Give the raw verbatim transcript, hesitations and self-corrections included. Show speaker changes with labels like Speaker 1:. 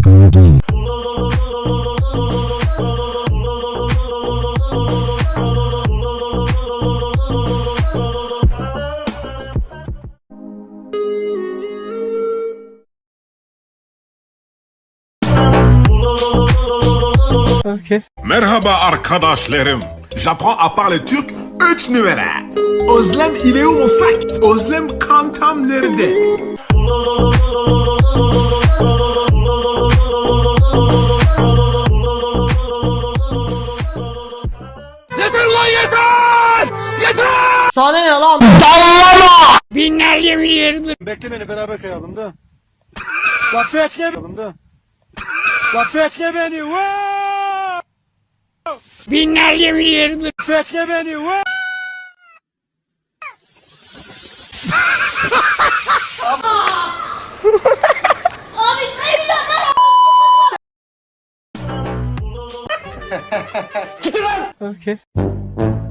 Speaker 1: Okay.
Speaker 2: Merhaba arkadaşlarım. Japon à part le Türk üç numara. Özlem ile olsak, Özlem kantam nerede?
Speaker 1: Yeter lan yeter! Yeter!
Speaker 3: Sana ne lan?
Speaker 1: Dallama! Binlerce yirmi. Bekle beni beraber kayalım da. Bak bekle beni da. Bak bekle beni. Wow! Binlerce yirmi. Bekle beni. Wow!
Speaker 4: Abi bir dakika.
Speaker 1: Okay.